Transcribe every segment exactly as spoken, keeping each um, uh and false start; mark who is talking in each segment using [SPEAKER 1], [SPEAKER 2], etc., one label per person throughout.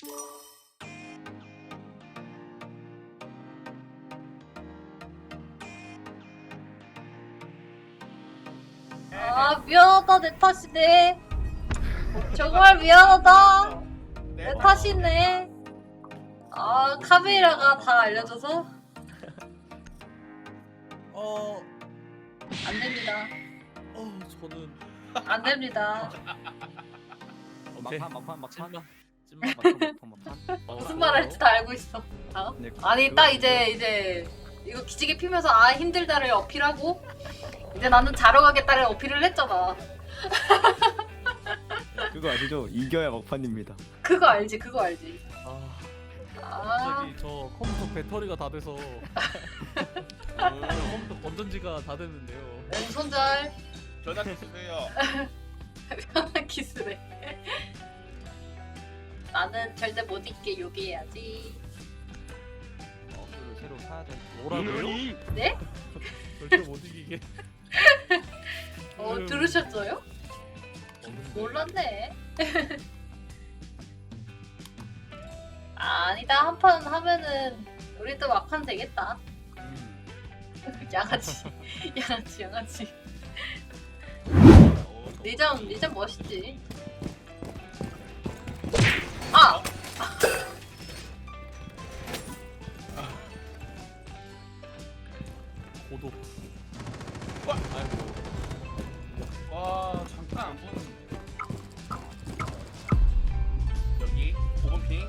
[SPEAKER 1] 아 미안하다 내 탓이네. 정말 미안하다 내 탓이네. 아 카메라가 다 알려줘서
[SPEAKER 2] 어,
[SPEAKER 1] 안 됩니다.
[SPEAKER 2] 어, 저는
[SPEAKER 1] 안 됩니다.
[SPEAKER 2] 오케이.
[SPEAKER 3] 막판 막판 막판
[SPEAKER 2] 찐막.
[SPEAKER 3] 찐막 막판 막판 막판.
[SPEAKER 2] 어,
[SPEAKER 1] 무슨 말 할지 다 알고 있어. 아?
[SPEAKER 3] 네,
[SPEAKER 1] 아니
[SPEAKER 3] 그거
[SPEAKER 1] 딱
[SPEAKER 3] 그거.
[SPEAKER 1] 이제 이제 이거 기지개 피면서 아 힘들다를 어필하고 이제 나는 자러 가겠다를 어필을 했잖아.
[SPEAKER 3] 그거 아시죠? 이겨야 막판입니다.
[SPEAKER 1] 그거 알지 그거 알지.
[SPEAKER 2] 아,
[SPEAKER 1] 아
[SPEAKER 2] 갑자기 저 컴퓨터 배터리가 다 돼서 어, 컴퓨터 건전지가 다 됐는데요.
[SPEAKER 1] 왼손절
[SPEAKER 4] 전화 주세요.
[SPEAKER 1] 편한 키스래. 나는 절대 못 잊게 요기해야지.
[SPEAKER 3] 어, 그걸 새로 사야 돼.
[SPEAKER 2] 뭐라고요?
[SPEAKER 1] 네?
[SPEAKER 2] 절대 못 이기게.
[SPEAKER 1] 어
[SPEAKER 2] 음.
[SPEAKER 1] 들으셨어요?
[SPEAKER 2] 없는데.
[SPEAKER 1] 몰랐네. 아, 아니다 한 판 하면은 우리도 막판 되겠다.
[SPEAKER 3] 음.
[SPEAKER 1] 양아치 양아치 양아치.
[SPEAKER 4] 어,
[SPEAKER 1] 리전 리전 멋있지. 아
[SPEAKER 2] 고독.
[SPEAKER 4] 와.
[SPEAKER 2] 아이고.
[SPEAKER 4] 와 잠깐 안 보는. 여기 오 번 핑.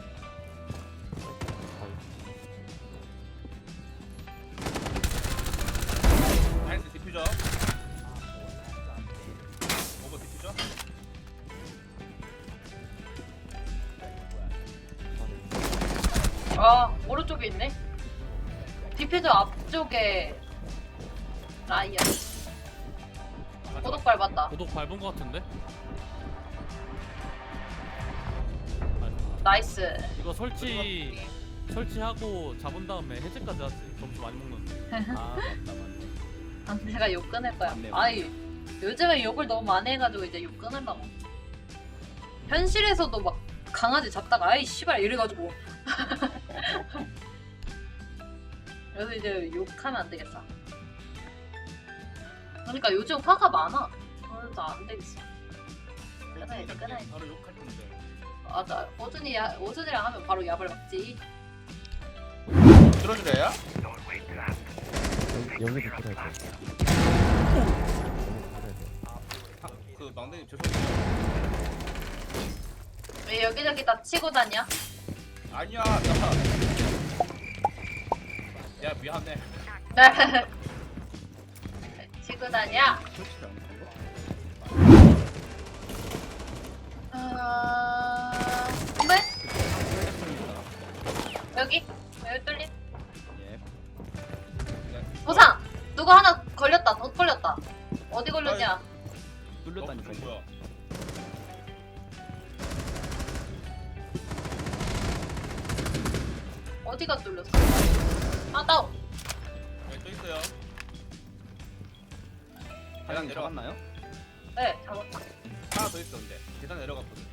[SPEAKER 4] 나이스 디퓨저. 오 번 디퓨저.
[SPEAKER 1] 아, 오른쪽에 있네. 디퓨저 앞쪽에 라이언. 고독 밟았다.
[SPEAKER 2] 고독 밟은 것 같은데?
[SPEAKER 1] 나이스.
[SPEAKER 2] 이거 설치 설치하고 잡은 다음에 해제까지 하지. 점수 많이 먹는데.
[SPEAKER 3] 아 맞다 맞네.
[SPEAKER 1] 아, 내가 욕 끊을 거야.
[SPEAKER 3] 맞네, 맞네.
[SPEAKER 1] 아이, 요즘에 욕을 너무 많이 해가지고 이제 욕 끊으려고. 현실에서도 막 강아지 잡다가 아이 씨발 이래가지고. 그래서 이제 욕하면 안 되겠어. 그러니까 요즘 화가 많아. 그래서 안 되겠어. 끊어야지 끊어야지.
[SPEAKER 4] 바로 욕할 건데.
[SPEAKER 1] 맞아. 오준이 야, 오준이랑 하면 바로 얍을 먹지.
[SPEAKER 4] 들어주래요?
[SPEAKER 3] 여기 붙어야 돼.
[SPEAKER 4] 그 망대님 죄송해요.
[SPEAKER 1] 왜 여기저기 다 치고 다녀?
[SPEAKER 4] 아니야 나. 야 미안해.
[SPEAKER 1] 치고 다녀.
[SPEAKER 3] 설치를 안 한 거?
[SPEAKER 1] 아... 정말? 여기? 여기 뚫림?
[SPEAKER 3] 예.
[SPEAKER 1] 보상! 누구 하나 걸렸다. 덧 걸렸다. 어디 걸렸냐?
[SPEAKER 3] 뚫렸다니까.
[SPEAKER 4] 어, 뭐야?
[SPEAKER 1] 어디가 뚫렸어? 아, 다운.
[SPEAKER 4] 여기 또 있어요.
[SPEAKER 3] 계단
[SPEAKER 4] 내려가.
[SPEAKER 3] 잡았나요?
[SPEAKER 1] 네, 잡았다.
[SPEAKER 4] 하나 더 있었는데 계단 내려갔거든.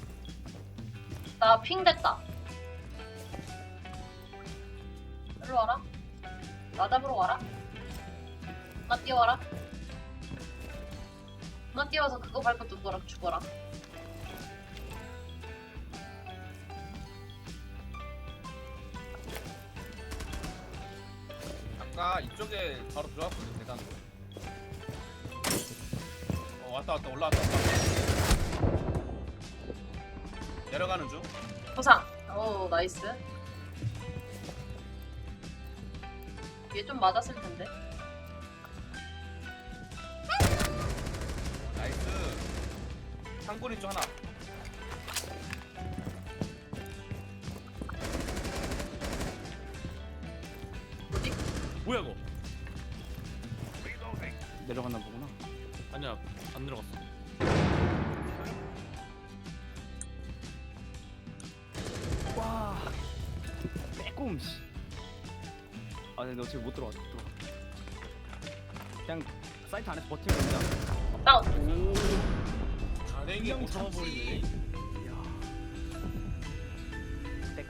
[SPEAKER 1] 나 핑 됐다. 일로 와라. 나 잡으러 와라. 나 뛰어와라. 나 뛰어와서 그거 밟고 누구랑 죽어라.
[SPEAKER 4] 아까 이쪽에 바로 들어갔거든 계단으로. 어 왔다 왔다 올라왔다 왔다. 내려가는 중.
[SPEAKER 1] 보상. 오, 나이스. 얘 좀 맞았을 텐데.
[SPEAKER 4] 나이스. 상골이 쪽 하나.
[SPEAKER 2] 뭐야 이거?
[SPEAKER 3] 내려갔나 보구나.
[SPEAKER 2] 아니야 안 들어갔어.
[SPEAKER 3] 와. 빼꼼 씨. 아, 근데 너 지금 못 들어가. 못 들어가. 그냥 사이트 안에서 버티면 된다.
[SPEAKER 1] 다운.
[SPEAKER 3] 오.
[SPEAKER 4] 가랭이 못
[SPEAKER 3] 그냥
[SPEAKER 4] 참아버리네.
[SPEAKER 3] 이야.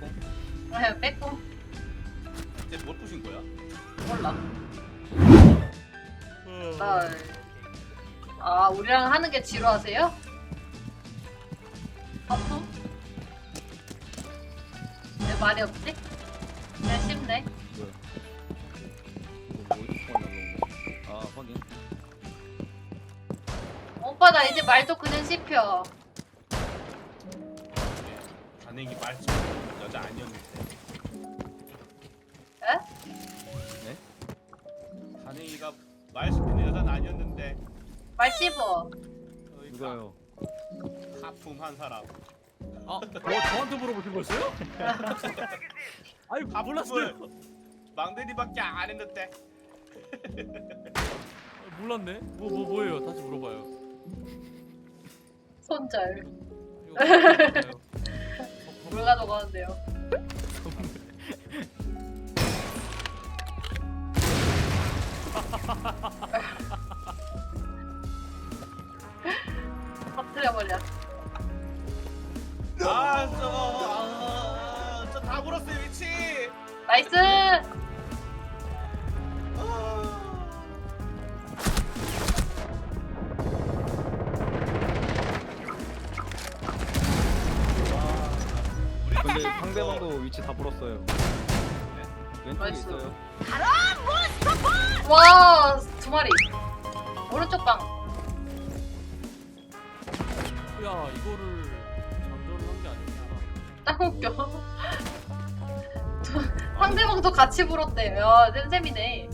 [SPEAKER 3] 빼꼼.
[SPEAKER 1] 네, 빼꼼.
[SPEAKER 4] 이제 뭘 부신 거야?
[SPEAKER 1] 몰라.
[SPEAKER 2] 어.
[SPEAKER 1] 아, 아 우리랑 하는 게 지루하세요? 아프? 왜 말이 없지? 네, 쉽네.
[SPEAKER 3] 뭐야? 이거 뭐 어디서 날라온 거? 아 확인.
[SPEAKER 1] 오빠 나 이제 말도 그냥 씹혀.
[SPEAKER 4] 단행이 말씀 여자 아니었는데.
[SPEAKER 1] 에?
[SPEAKER 3] 네?
[SPEAKER 4] 단행이가 말 씹히는 여자는 아니었는데.
[SPEAKER 1] 말 씹어.
[SPEAKER 4] 그러니까
[SPEAKER 3] 누가요?
[SPEAKER 4] 하품한 사람.
[SPEAKER 2] 아, 뭐 저한테 물어보신 거였어요? 아니 몰랐어요.
[SPEAKER 4] 망대리밖에 안 했는데.
[SPEAKER 2] 아, 몰랐네. 뭐 뭐 뭐, 예요 다시 물어봐요.
[SPEAKER 1] 손절.
[SPEAKER 2] 이거 몰라요.
[SPEAKER 1] 물 가져가는데요. 터뜨려버려.
[SPEAKER 4] 아, 저, 아, 저다 물었어요 위치.
[SPEAKER 1] 나이스!
[SPEAKER 3] 근데 상대방도 위치 다 불었어요. 왼쪽에
[SPEAKER 1] 나이스.
[SPEAKER 3] 있어요.
[SPEAKER 1] 와, 두 마리. 오른쪽 방.
[SPEAKER 2] 야 이거를 장전을 한 게 아니구나.
[SPEAKER 1] 딱 웃겨. 상대방도 같이 불었대요. 야, 쌤쌤이네.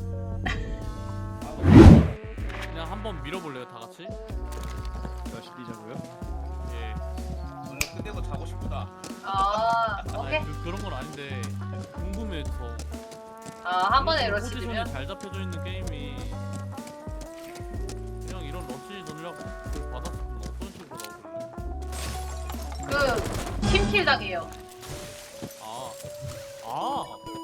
[SPEAKER 2] 그냥 한번 밀어볼래요 다 같이?
[SPEAKER 3] 다시 뛰자고요.
[SPEAKER 2] 예.
[SPEAKER 4] 오늘 끝내고 자고 싶다.
[SPEAKER 1] 아, 오케이.
[SPEAKER 2] 아니, 그, 그런 건 아닌데 궁금해서.
[SPEAKER 1] 아, 한 번에
[SPEAKER 2] 이런
[SPEAKER 1] 러시
[SPEAKER 2] 포지션이
[SPEAKER 1] 되면?
[SPEAKER 2] 잘 잡혀져 있는 게임이 그냥 이런 러시 전략 그 받았으면 어떤 식으로 나오길래?
[SPEAKER 1] 그, 팀킬 당해요.
[SPEAKER 2] 아, 아,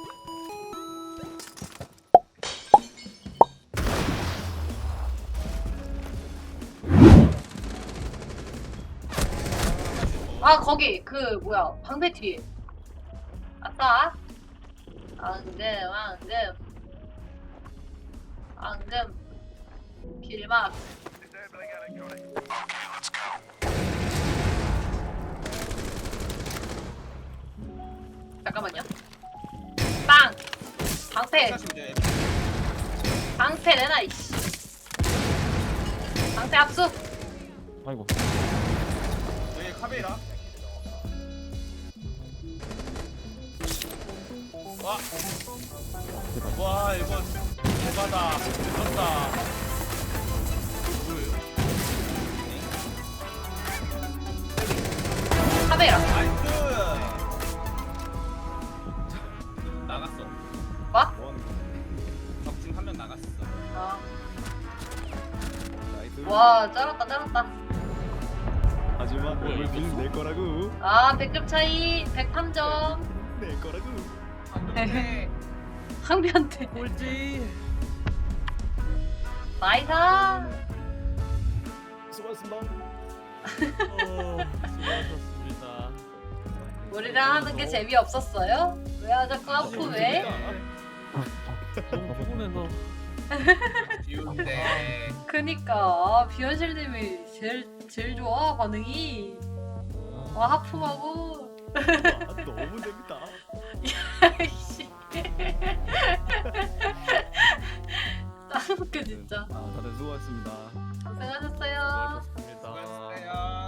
[SPEAKER 1] 아, 거기, 그, 뭐야, 방패 뒤에. 아싸. 앙금, 앙금. 앙금. 길막. 잠깐만요. 빵! 방패!
[SPEAKER 4] 사시면 돼.
[SPEAKER 1] 방패 내놔, 이씨. 방패 압수!
[SPEAKER 3] 아이고.
[SPEAKER 4] 여기 카메라. 와, 와 이거 대박다. 미쳤다.
[SPEAKER 2] 뭐예요?
[SPEAKER 1] 카메라.
[SPEAKER 4] 나이스. 나갔어.
[SPEAKER 1] 뭐?
[SPEAKER 3] 뭐 하는 거야?
[SPEAKER 4] 적중 한 명 나갔어.
[SPEAKER 1] 아.
[SPEAKER 3] 나이스.
[SPEAKER 1] 와, 쩔었다, 쩔었다.
[SPEAKER 3] 하지만
[SPEAKER 2] 뭐야, 이거
[SPEAKER 3] 여기는 내 거라고.
[SPEAKER 1] 아, 백 점 차이, 백삼 점.
[SPEAKER 3] 내 거라고.
[SPEAKER 4] 안돼.
[SPEAKER 1] 상비한테.
[SPEAKER 2] 꼴찌.
[SPEAKER 1] 나이스!
[SPEAKER 3] 수고하셨습니다.
[SPEAKER 2] 어, 수고하셨습니다.
[SPEAKER 1] 우리랑 하는 게 재미없었어요? 왜 자꾸 아프해?
[SPEAKER 2] 너무 피곤해서.
[SPEAKER 4] 비운데.
[SPEAKER 1] 그니까 아, 비현실님이 제일 제일 좋아 반응이. 와 하품하고.
[SPEAKER 3] 아, 너무 재밌다.
[SPEAKER 1] 씨. 짱 웃겨 진짜.
[SPEAKER 3] 아, 다들 수고하셨습니다.
[SPEAKER 1] 고생하셨어요.
[SPEAKER 2] 수고하셨습니다.
[SPEAKER 4] 수고하셨어요.